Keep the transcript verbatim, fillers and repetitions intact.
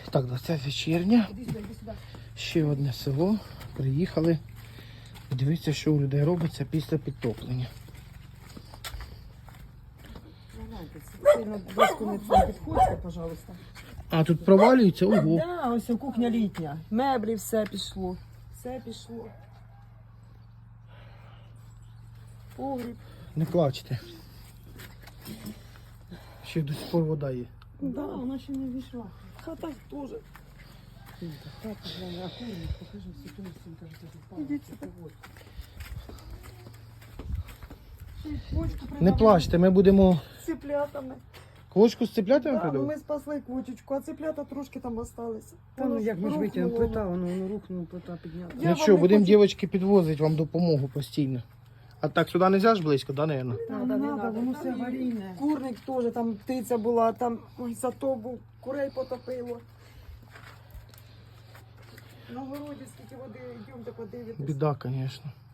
Так, двадцяте червня. Іди сюди, іди сюди. Ще одне село. Приїхали. І дивіться, що у людей робиться після підтоплення. Сильно доску не це підходьте, пожалуйста. А тут провалюється, ого. Да, ось кухня літня. Меблі, все пішло. Все пішло. Погріб. Не плачте. Ще до сих пор вода є. Да, вона ще не війшла. Хата теж. Хата, главное, а курник, покажи всю ту всю. Ідіть сюди. Не плачте, ми будемо З цеплятами. квочку з цеплятами Да, ну придавати? ми спасли квочечку, а цеплята трошки там осталися. Та ну як ми ж витягнемо рухнуло. плита, воно, воно рухнуло, плита підняла. Я Нічого, вам не будемо хочу- дівчатки підвозити вам допомогу постійно. А так сюди не можна ж близько, да, наверное? Не Надо, надо, не не надо, надо, воно там все і аварійне. Курник теж, там птиця була, там ой, зато був, курей потопило. На городі скільки води, йдемте подивитись. Біда, звісно.